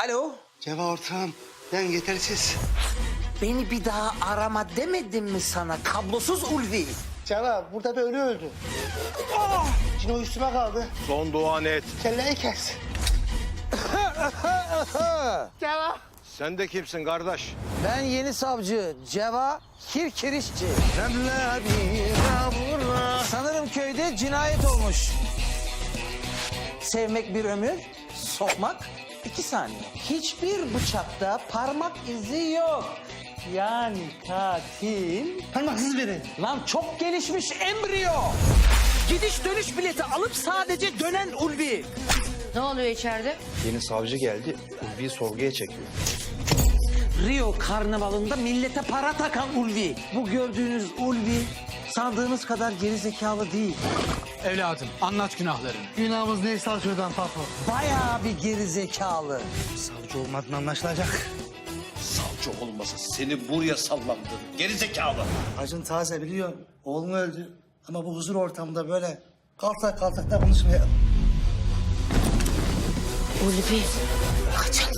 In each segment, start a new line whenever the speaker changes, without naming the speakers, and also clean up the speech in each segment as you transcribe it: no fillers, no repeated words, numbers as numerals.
Alo.
Ceva ortağım, ben yetersiz.
Beni bir daha arama demedim mi sana kablosuz Ulvi?
Ceva, burada bir ölü öldü. Cino üstüme kaldı.
Son duan et.
Kelleyi kes. Ceva.
Sen de kimsin kardeş?
Ben yeni savcı Ceva Kirkirişçi. Sanırım köyde cinayet olmuş. Sevmek bir ömür, sokmak 2 saniye. Hiçbir bıçakta parmak izi yok. Yani katil...
Parmaksız biri.
Lan çok gelişmiş embriyo. Gidiş dönüş bileti alıp sadece dönen Ulvi.
Ne oluyor içeride?
Yeni savcı geldi. Ulvi'yi sorguya çekiyor.
Rio karnavalında millete para takan Ulvi. Bu gördüğünüz Ulvi sandığınız kadar gerizekalı değil.
Evladım anlat günahlarını.
Günahımız neyse al şuradan papo.
Bayağı bir gerizekalı.
Savcı olmadığın anlaşılacak.
Savcı olmasa seni buraya sallamdım. Gerizekalı.
Acın taze biliyorum. Oğlum öldü. Ama bu huzur ortamında böyle kaltak kaltak da konuşmayalım.
Ulvi. Kaçalım.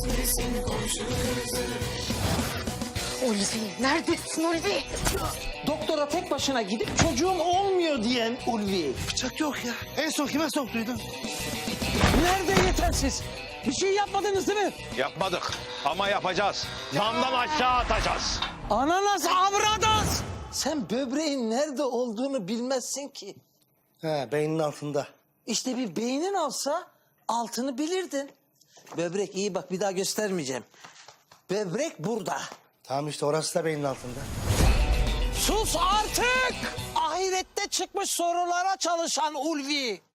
Ulvi. Neredesin Ulvi?
Doktora tek başına gidip çocuğum olmuyor diyen Ulvi.
Bıçak yok ya. En son kime soktuydun?
Nerede yetersiz? Bir şey yapmadınız değil mi?
Yapmadık ama yapacağız. Damdan aşağı atacağız.
Ananas avradas. Sen böbreğin nerede olduğunu bilmezsin ki.
He, beyninin altında.
İşte bir beynin olsa altını bilirdin. Böbrek iyi bak bir daha göstermeyeceğim. Böbrek burada.
Tamam işte orası da beynin altında.
Sus artık! Ahirette çıkmış sorulara çalışan Ulvi.